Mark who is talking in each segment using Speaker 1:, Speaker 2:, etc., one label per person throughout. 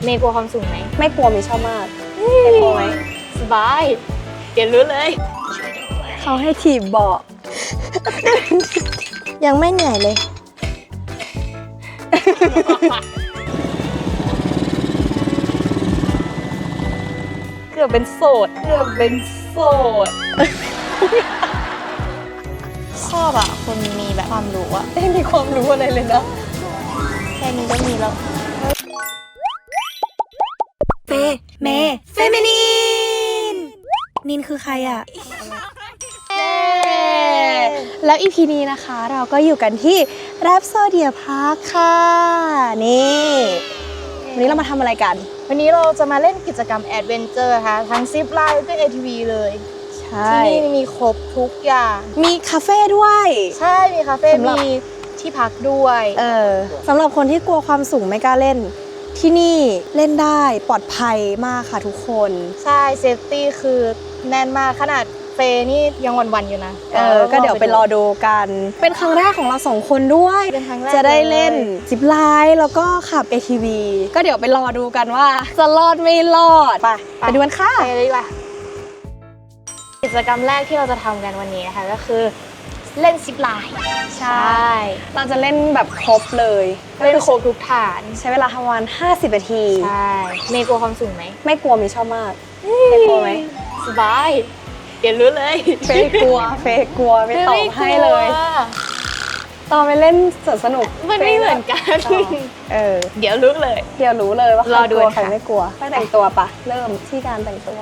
Speaker 1: เมย์กลัวความสูงไหม
Speaker 2: ไม่กลัวมีชอบมากไม่กลัวไหม
Speaker 1: สบายเดี๋ยวรู้เลย
Speaker 2: เขาให้ถีบเบาะ ยังไม่เหนื่อยเลย
Speaker 1: เกือบเป็นโสดชอบอ่ะคนมีแบบความรู้อ่ะ
Speaker 2: ไม่มีความรู้อะไรเลยนะ
Speaker 1: แค่นี้ก็มีแล้ว
Speaker 2: เมเฟมินีนนินคือใครอ่ะ แล้วอีพีนี้นะคะเราก็อยู่กันที่แรปโซเดียพาร์คค่ะนี่วันนี้เรามาทำอะไรกัน
Speaker 1: วันนี้เราจะมาเล่นกิจกรรมแอดเวนเจอร์ค่ะทั้งซิปไลน์แล้วก็ ATV เลย
Speaker 2: ใช่
Speaker 1: ที่นี่มีครบทุกอย่าง
Speaker 2: มีคาเฟ่ด้วย
Speaker 1: ใช่มีคาเฟ่
Speaker 2: สำหรับ
Speaker 1: มีที่พักด้วย
Speaker 2: สำหรับคนที่กลัวความสูงไม่กล้าเล่น ที่นี่เล่นได้ปลอดภัยมากค่ะทุกคน
Speaker 1: ใช่เซฟตี้คือแน่นมากขนาดเฟย์นี่ยังวันๆอยู่นะ
Speaker 2: ก็เดี๋ยวไปรอดูกัน เป็นครั้งแรกของเราสองคนด้วย
Speaker 1: เป็นครั้งแรก
Speaker 2: จะได้เล่นซิปไลน์แล้วก็ขับ ATV ก็เดี๋ยวไปรอดูกันว่า จะรอดไม่รอด ไปดูกันค่ะ
Speaker 1: ไปเลยดีกว่ากิจกรรมแรกที่เราจะทำกันวันนี้นะคะก็คือเล่นซิปไลน์
Speaker 2: ใช่ เราจะเล่นแบบครบเลย
Speaker 1: เล่นโครบทุกฐาน
Speaker 2: ใช้เวลาทำวัน50 นาที
Speaker 1: ใช่เมย์กลัวความสูงไหม
Speaker 2: ไม่กลัวมีชอบมากไม่กลัวไหม
Speaker 1: สบายเดี๋ยวรู้เลย
Speaker 2: เฟยกลัวไม่ตอบให้เลย
Speaker 1: ไม่กว
Speaker 2: ตอนไปเล่นสวนสนุก
Speaker 1: มันไม่เหมือนกัน เดี๋ยวรู้เลย
Speaker 2: เดี๋ยวรู้เลยว่าใคร
Speaker 1: รอก ดู
Speaker 2: ลัว
Speaker 1: ค่ะ
Speaker 2: ใครไม่กลัวไปแต่งตัวปะเริ่มที่การแต่งตัว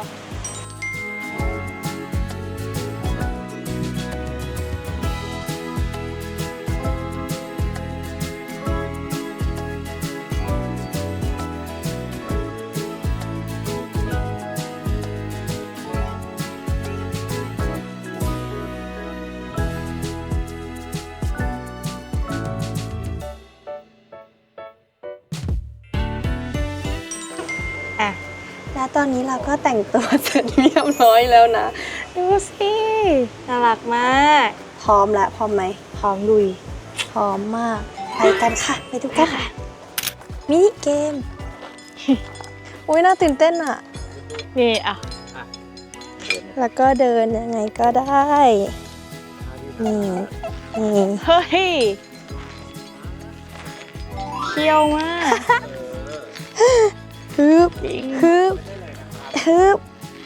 Speaker 1: อ่ะ
Speaker 2: และตอนนี้เราก็แต่งตัวเสร็จเรียบร้อยแล้วนะดูสิ
Speaker 1: น่ารักมาก
Speaker 2: พร้อมแล้วพร้อมไหม
Speaker 1: พร้อมลุย
Speaker 2: พร้อมมากไปกันค่ะไปดูกันมินิเกม อุ้ยน่าตื่นเต้นอ่ะ
Speaker 1: นี่อ่ะ
Speaker 2: แล้วก็เดินยังไงก็ได้ นี่นี่
Speaker 1: เฮ้ยเคี้ยวมาก
Speaker 2: ฮึบฮึบฮึบ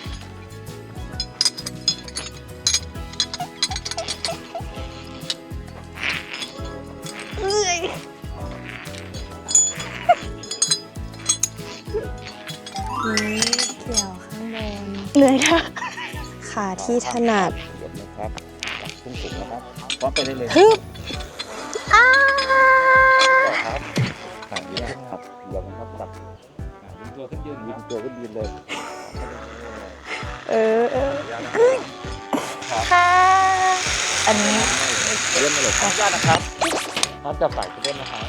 Speaker 2: นี่เกี่ยวข้างบน
Speaker 1: เหนื่อยนะ
Speaker 2: ขาที่ถนัด
Speaker 3: เดี๋ยวนะครับจับพุ่งสูงนะครับพร้อมไปได้เลย
Speaker 2: ฮึบอ้า
Speaker 3: ครับขาดีนะครับเดี๋ยวนะครับจับวิ่งตัวขึ้นยืนวิ่งตัวขึ้นยืนเลย
Speaker 2: เออ
Speaker 1: ค่ะ อันนี้
Speaker 3: เลื่อนมาเลยครับได้นะครับน้ำจับสายจะเล่นนะครับ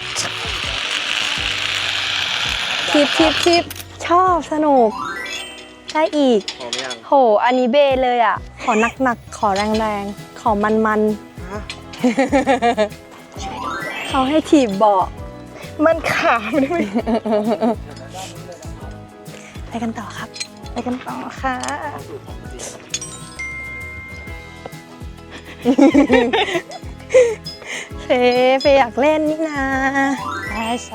Speaker 2: ทิปชอบสนุกได้อีก
Speaker 3: พร้อมยัง
Speaker 2: โห อันนี้เบเลยอ่ะ ขอหนักๆ ขอแรงๆ ขอมันๆ เขาให้ถีบเบาะ
Speaker 1: มันขามด้วย
Speaker 2: ไปกันต่อครับ
Speaker 1: ไปกันต่อค่ะ
Speaker 2: เฟอยากเล่นนี่นา
Speaker 1: ใช่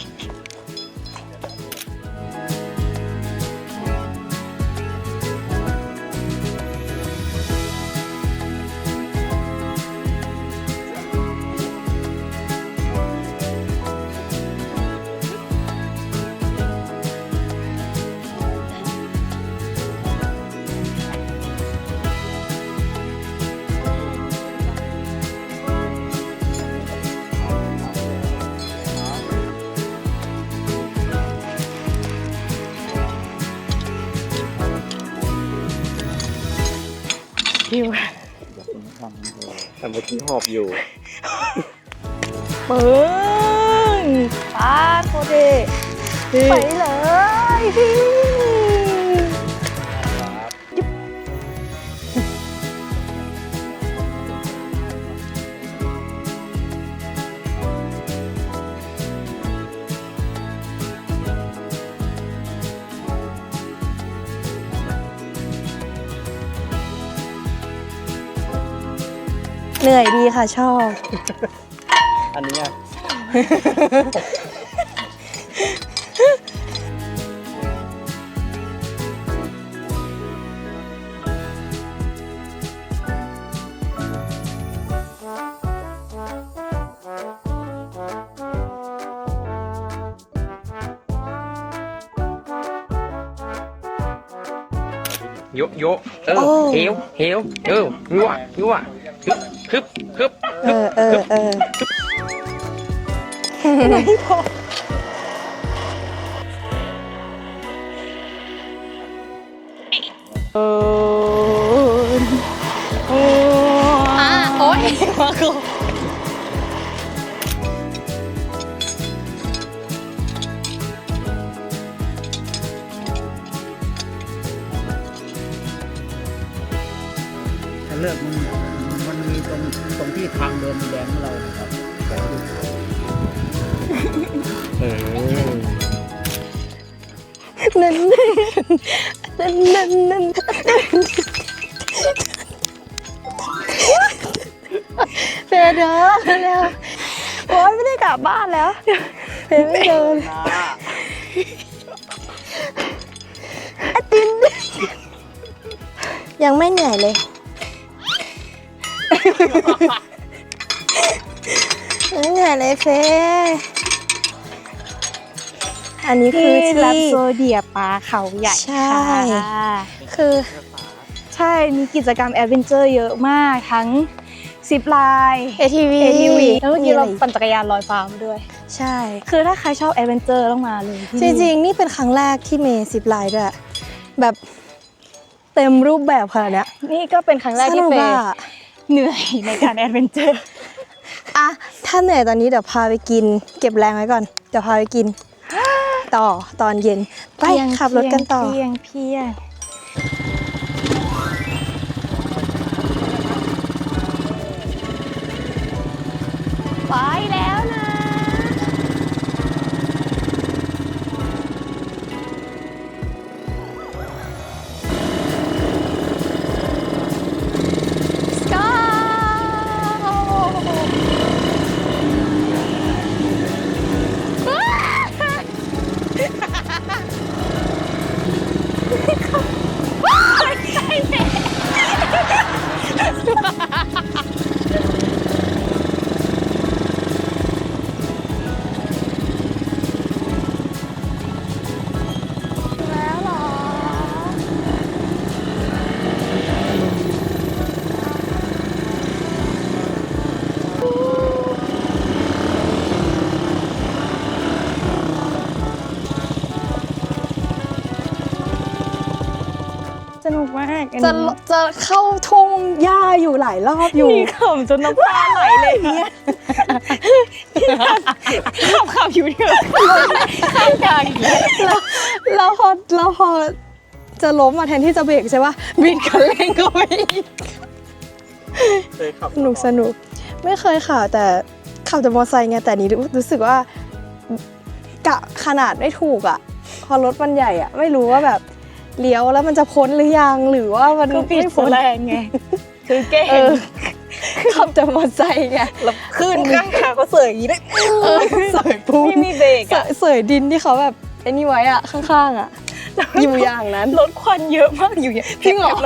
Speaker 1: คิว
Speaker 3: แต่เมื่อกี้หอบอยู่
Speaker 1: ปึ้งป้าโคเดไปเลยพี่
Speaker 2: เหนื่อยดีค่ะชอบ
Speaker 3: อันนี้อ่ะ
Speaker 4: โยโยเออเฮวเฮวยั่วยั่วฮึบฮึบ
Speaker 2: เออโอ๊ยมากู
Speaker 5: ถ้าเลิกมันมีตรงที่ทางเดินแดงของเราครับเดี๋ยวดู
Speaker 2: นั่นเฟยเด้อเร็วโอ๊ยไม่ได้กลับบ้านแล้วเฟยไม่เดินไอตินยังไม่เหนื่อยเลยยังเหนื่อยเลยเฟยอันนี้คือที่
Speaker 1: แรปโซเดียปลาเขาใหญ่
Speaker 2: ใช่
Speaker 1: ค่ะ
Speaker 2: คือ
Speaker 1: ใช่มีกิจกรรมแอดเวนเจอร์เยอะมากทั้งซิปไลน์
Speaker 2: ATV
Speaker 1: แล้วเมื่อกี้เราปั่นจักรยานลอยฟ้ามาด้วย
Speaker 2: ใช่
Speaker 1: คือถ้าใครชอบแอดเวนเจอร์ต้องมาเลยที่
Speaker 2: จ
Speaker 1: นี่
Speaker 2: ริงๆ นี่เป็นครั้งแรกที่เมย์ซิปไลน์ด้วยแบบเต็มรูปแบบขนาดเนี้ย
Speaker 1: นี่ก็เป็นครั้งแรก
Speaker 2: ส
Speaker 1: ที่
Speaker 2: นุก
Speaker 1: เฟ
Speaker 2: อะ
Speaker 1: ย์เหนื่อยในการแอดเวนเจอร์
Speaker 2: อ่ะถ้าเหนื่อยตอนนี้เดี๋ยวพาไปกิน เก็บแรงไว้ก่อน เดี๋ยวพาไปกิน ต่อตอนเย็นไปขับรถกันต่อ
Speaker 1: เพียงไปแล้วนะ แล้วเหรอ สนุกมากอัน
Speaker 2: จะ
Speaker 1: นี้
Speaker 2: จะเข้าทุ่งหญ้าอยู่หลายรอบอยู่
Speaker 1: นี่ขำจนน้ำตาไหลเลยเนี่ยขับอยู่เถอะข้างกลางอย่างเงี้ย
Speaker 2: แล้วพอจะล้มมาแทนที่จะเบรกใช่ปะบิดคันเร่งก็ไปอีก
Speaker 3: เคยขับ
Speaker 2: สนุกไม่เคยขับแต่ขับแต่มอเตอร์ไซค์ไงแต่นี้รู้สึกว่ากะขนาดไม่ถูกอ่ะพอรถมันใหญ่อ่ะไม่รู้ว่าแบบเลี้ยวแล้วมันจะพ้นหรือยังหรือว่ามัน
Speaker 1: คือปิด
Speaker 2: ไม่
Speaker 1: โซ
Speaker 2: พ้น
Speaker 1: แรงไง คือเก่ง
Speaker 2: เออขับแต่มอเตอร์ไซค์ไง
Speaker 1: แล้วขึ้นข้างขาก็เสยอย่างนี้เลย
Speaker 2: เสยปูน
Speaker 1: ไม่มีเบรกอะ
Speaker 2: เสยดินที่เขาแบบไอ้นี่ไว้อ่ะข้างๆอ่ะอยู่อย่างนั้น
Speaker 1: รถควันเยอะมากอยู่อย่าง
Speaker 2: จริงเหรอ
Speaker 1: เลย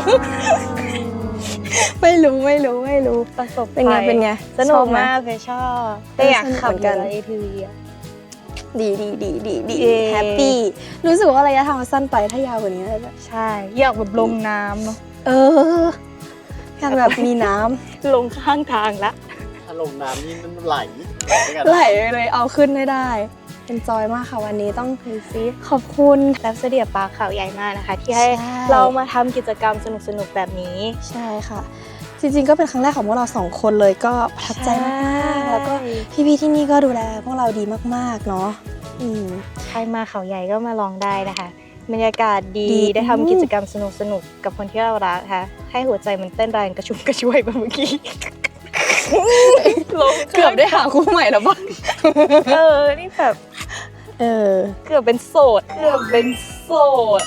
Speaker 2: ไม่รู้
Speaker 1: ประสบ
Speaker 2: เป็นไง
Speaker 1: ภัย
Speaker 2: เป็นไง
Speaker 1: สนุ
Speaker 2: ชอก บไหม
Speaker 1: มากเลยชอบแต่อยากขับ
Speaker 2: สนุกเหมือนกัน
Speaker 1: เอทีวีอะ
Speaker 2: ดี
Speaker 1: เย้
Speaker 2: แฮปปี้รู้สึกว่าระยะทางมันสั้นไปถ้ายาวกว่านี้น่าจะ
Speaker 1: ใช่อยากแบบลงน้ำเนาะ
Speaker 2: เอออยากแบบมีน้ำ
Speaker 1: ลงข้างทางละ
Speaker 3: ถ้าลงน้ำนี่มันไหล
Speaker 2: ไหลเลยเอาขึ้นไม่ได้เป็นจอยมากค่ะวันนี้ต้อง
Speaker 1: ดูซิ
Speaker 2: ขอบคุณ
Speaker 1: แลบเสดียปลาเขาใหญ่มากนะคะ ที่ให้
Speaker 2: ใช่
Speaker 1: เรามาทำกิจกรรมสนุกๆแบบนี้
Speaker 2: ใช่ค่ะ จริงๆก็เป็นครั้งแรกของพวกเราสองคนเลยก็ประทับใจมากๆแล้วก็พี่ๆที่นี่ก็ดูแลพวกเราดีมากๆเนาะ
Speaker 1: ใครมาเขาใหญ่ก็มาลองได้นะคะ บรรยากาศดี
Speaker 2: ดี
Speaker 1: ได้ทำกิจกรรมสนุกๆกับคนที่เรารักค่ะ ให้หัวใจมันเต้นแรงกระชุ่มกระชวยแบบเมื่อกี้ลง
Speaker 2: เกือบได้หาคู่ใหม่แล้วบ้าง
Speaker 1: นี่แบบ
Speaker 2: เออ
Speaker 1: เกือบเป็นโสด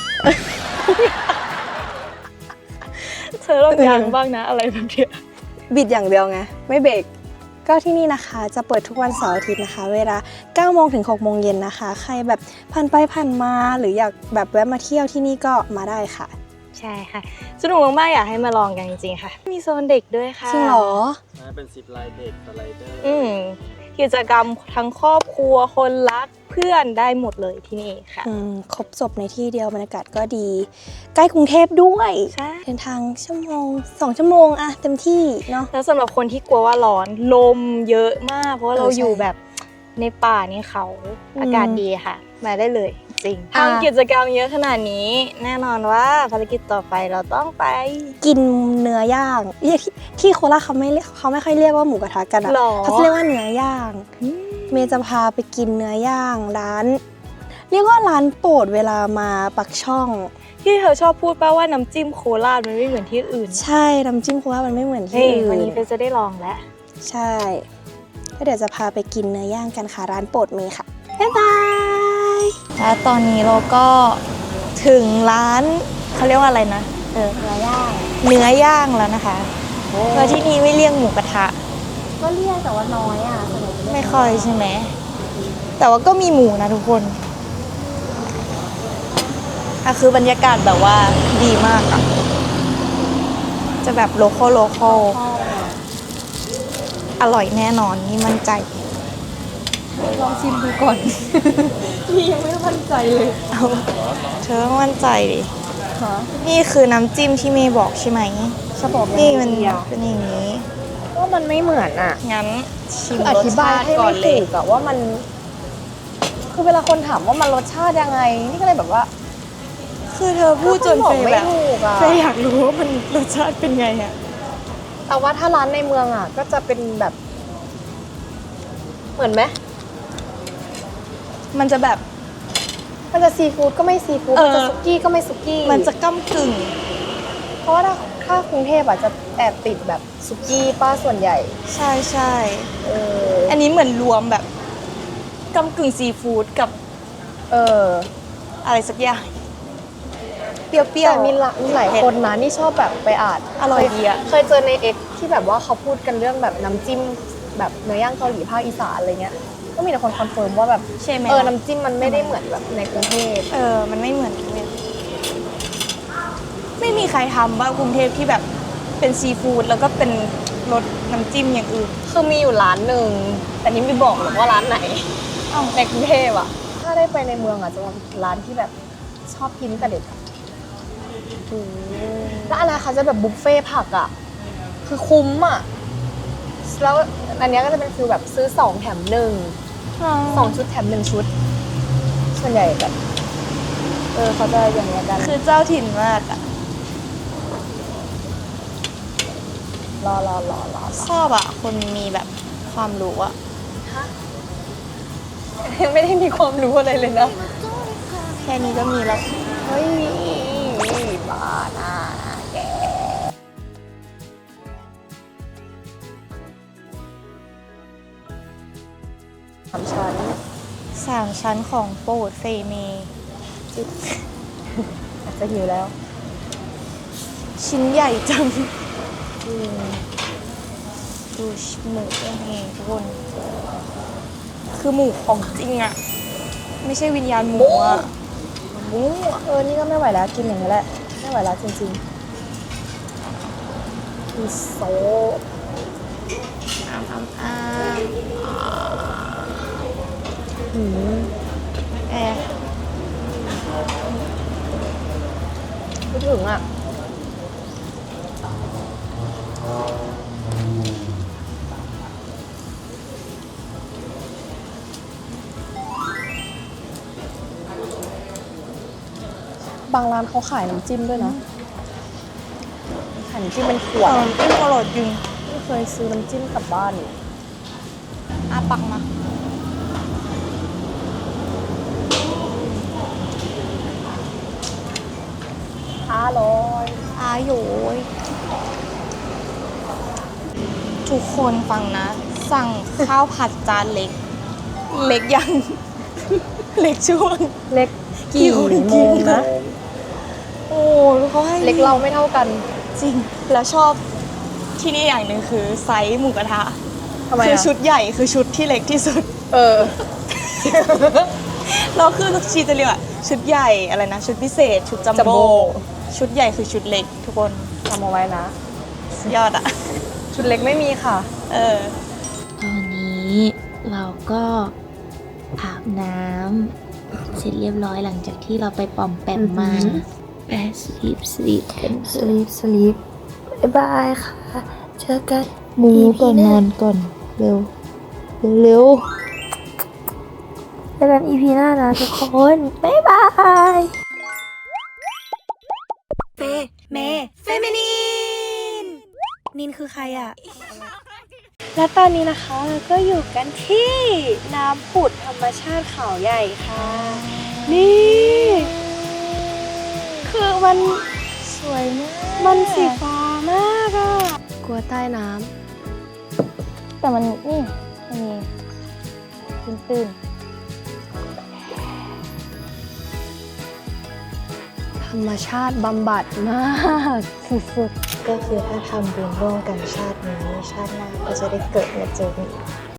Speaker 1: เธอลองยังบ้างนะอะไรแบบเนี้ย
Speaker 2: บิดอย่างเดียวไงไม่เบรกก็ที่นี่นะคะจะเปิดทุกวันเสาร์อาทิตย์นะคะ เวลา 9 โมงถึง 6 โมงเย็นนะคะ ใครแบบผ่านไปผ่านมาหรืออยากแบบแวะมาเที่ยวที่นี่ก็มาได้ค่ะ
Speaker 1: ใช่ค่ะสนุกมากๆอยากให้มาลองกันจริงๆค่ะ มีโซนเด็กด้วยค่ะ
Speaker 2: จริงเหรอ
Speaker 6: เป็นซิปไลน์เด็กสไลเดอร์
Speaker 1: กิจกรรมทั้งครอบครัวคนรักเพื่อนได้หมดเลยที่นี่ค่ะ
Speaker 2: ครบจบในที่เดียวบรรยากาศก็ดี ใกล้กรุงเทพด้วย
Speaker 1: ใช่
Speaker 2: เดินทางชั่วโมง 2 ชั่วโมงอะเต็มที่เนาะ
Speaker 1: แล้วสำหรับคนที่กลัวว่าร้อนลมเยอะมาก เพราะว่าเรา
Speaker 2: ใช่
Speaker 1: อยู่แบบในป่าในเขาอากาศดีค่ะ มาได้เลยจริง
Speaker 2: อ่ะ
Speaker 1: ทำกิจกรรมเยอะขนาดนี้ แน่นอนว่าภารกิจต่อไปเราต้องไป
Speaker 2: กินเนื้อย่างที่โคราชเขาไม่ค่อยเรียกว่าหมูกระทะกันอะ
Speaker 1: หรอ
Speaker 2: เขาจะเรียกว่าเนื้อย่าง เมย์จะพาไปกินเนื้อย่างร้าน เรียกว่าร้านโปรดเวลามาปักช่อง
Speaker 1: ที่เธอชอบพูดป่าว่าน้ำจิ้มโคราชมันไม่เหมือนที่อื่น
Speaker 2: ใช่น้ำจิ้มโคราชมันไม่เหมือนที่
Speaker 1: นี่
Speaker 2: อื่น
Speaker 1: วันนี้เฟซจะได้ลองแล้ว
Speaker 2: ใช่ก็เดี๋ยวจะพาไปกินเนื้อย่างกันค่ะร้านโปรดเมย์ค่ะบ๊ายบาย
Speaker 1: แล้วตอนนี้เราก็ถึงร้านเขาเรียกว่าอะไรนะเนื้อย่างแล้วนะคะเพราะที่นี่ไม่เรียกหมูกระทะ
Speaker 2: ก็เรียกแต่ว่าน้อยอ่ะ
Speaker 1: ไม่ค่อยใช่ไหมแต่ว่าก็มีหมูนะทุกคนคือบรรยากาศแบบว่าดีมากอะจะแบบโลคอลอร่อยแน่นอนนี่มั่นใจ
Speaker 2: ลองชิมดูก่อน พี่ยังไม่มั่นใจเลย
Speaker 1: เอาเธอต้องมั่นใจดิ
Speaker 2: ฮะ
Speaker 1: นี่คือน้ำจิ้มที่เมย์บอกใช่ไหม
Speaker 2: จะบอก
Speaker 1: นี่มันเป็นอย่างนี้
Speaker 2: ว่ามันไม่เหมือนอ่ะ
Speaker 1: งั้นชิม
Speaker 2: คืออ
Speaker 1: รส
Speaker 2: ธิบา
Speaker 1: ชาย ติ
Speaker 2: ให้
Speaker 1: ก่อ
Speaker 2: ไม่
Speaker 1: นเล
Speaker 2: ถู
Speaker 1: ย
Speaker 2: กอะว่ามัน คือเวลาคนถามว่ามันรสชาติยังไง นี่ก็เลยแบบว่า
Speaker 1: คือเธอพูดจน
Speaker 2: ก็
Speaker 1: เฟ
Speaker 2: บอก
Speaker 1: ย
Speaker 2: ไม่
Speaker 1: แบบ
Speaker 2: ถูกอะ
Speaker 1: เฟยอยากรู้ว่ามันรสชาติเป็นไงอะ
Speaker 2: แต่ว่าถ้าร้านในเมืองอะก็จะเป็นแบบ เหมือนไหม
Speaker 1: มันจะแบบ
Speaker 2: มันจะซีฟู้ดก็ไม่ซีฟู้ด มันจะสุกี้ก็ไม่สุกี้
Speaker 1: มันจะก้ำกึ่ง
Speaker 2: เพราะว่าถ้ากรุงเทพอะจะแอบติดแบบสุกี้ป้าส่วนใหญ่
Speaker 1: ใช่ใช่
Speaker 2: เออ
Speaker 1: อันนี้เหมือนรวมแบบก้ำกึ่งซีฟู้ดกับ
Speaker 2: เออ
Speaker 1: อะไรสักอย่าง เปรี้ยว
Speaker 2: แต่มีหลายคนนะนี่ชอบแบบไปอ่าน
Speaker 1: อร่อยดีอะ
Speaker 2: เคยเจอในเอ็กที่แบบว่าเขาพูดกันเรื่องแบบน้ำจิ้มแบบเนื้อย่างเกาหลีภาคอีสานอะไรเงี้ย ก็มีแต่คนคอนเฟิร์มว่าแบบ
Speaker 1: ใช่ไหม
Speaker 2: น้ำจิ้มมันไม่ได้เหมือนแบบในกรุงเทพ
Speaker 1: มันไม่เหมือนกันเลยไม่มีใครทำบ้างกรุงเทพที่แบบเป็นซีฟู้ดแล้วก็เป็นรสน้ำจิ้มอย่างอื่น
Speaker 2: คือมีอยู่ร้านหนึ่งแต่นี่ไม่บอกหรอกว่าร้านไหนในกรุงเทพอะถ้าได้ไปในเมืองอะจะมาร้านที่แบบชอบกินตั้งแต่เด็กอะแล้วอะไรคะจะแบบบุฟเฟ่ต์ผักอะคือคุ้มอะแล้วอันเนี้ยก็จะเป็นฟิลแบบซื้อ2 แถม 1 2 ชุดแถม 1 ชุด ส่วนใหญ่แบบเขาจะอย่างเงี้ยกัน
Speaker 1: คือเจ้าถิ่นมากอะ
Speaker 2: รอ
Speaker 1: ชอบอะคนมีแบบความรู้อะ
Speaker 2: ยังไม่ได้มีความรู้อะไรเลยนะ
Speaker 1: แค่นี้ก็มีแล้ว
Speaker 2: เฮ้ยบ้าน่าแก
Speaker 1: 3 ชั้นของโปรดเฟเม
Speaker 2: อาจจะหิวแล้ว
Speaker 1: ชิ้นใหญ่จังดูหมูนี่ทุกคน คือหมูของจริงอะไม่ใช่วิญญาณหมูอะหมู
Speaker 2: นี่ก็ไม่ไหวแล้วกินอย่างนี้แหละ ไม่ไหวแล้วจริงๆคือโซ
Speaker 1: แอร์
Speaker 2: ไม่ถึงอ่ะ บางร้านเขาขายน้ำจิ้มด้วยนะขายน้ำจิ้มเป็นขวด
Speaker 1: จิ้มอร่อยจริง
Speaker 2: ไม่เคยซื้อน้ำจิ้มกลับบ้านเลย
Speaker 1: อาปักมา อาโยยทุกคนฟังนะ สั่งข้าวผัดจานเล็ก เล็กยัง เล็กช่วง
Speaker 2: เล็กกี่โมงนะ
Speaker 1: โอ้เขาให้
Speaker 2: เล็กเราไม่เท่ากัน
Speaker 1: จริง แล้วชอบที่นี่อย่างหนึ่งคือไซส์หมูกระทะ
Speaker 2: ทำไม
Speaker 1: คือ
Speaker 2: อะ
Speaker 1: ชุดใหญ่คือชุดที่เล็กที่สุด
Speaker 2: เออ
Speaker 1: เราคือชีจะเรียกว่าชุดใหญ่อะไรนะ ชุดพิเศษ ชุดจัม
Speaker 2: จัมโบ้
Speaker 1: โบ้ชุดใหญ่คือชุดเล็กทุกคน
Speaker 2: ทำเอาไว้นะ
Speaker 1: สุดยอดอะ
Speaker 2: ชุดเล็กไม่มีค่ะ
Speaker 1: เออ
Speaker 7: ตอนนี้เราก็อาบน้ำเสร็จเรียบร้อยหลังจากที่เราไปปอมแปมมาไปสลีปกันสลีปบ๊ายบายค่ะ เจอกันหมูก่อนนอนก่อนเร็วเร็วเจอกัน EP หน้านะทุกคนบ๊ายบาย
Speaker 1: เฟมินีนนินคือใครอะ
Speaker 2: และตอนนี้นะคะเราก็อยู่กันที่น้ำผุดธรรมชาติเขาใหญ่ค่ะ นี่ คือมัน
Speaker 1: สวยมาก
Speaker 2: มันสีฟ้ามากอะกลัวใต้น้
Speaker 1: แต่มันนี่มันมีตื้น
Speaker 2: ำธรรมชาติบำบัดมากสุด
Speaker 1: ๆก็คือถ้าทำบุญร่วมกันชาตินี้ชาติหน้าก็จะได้เกิดมาเจอกันอีก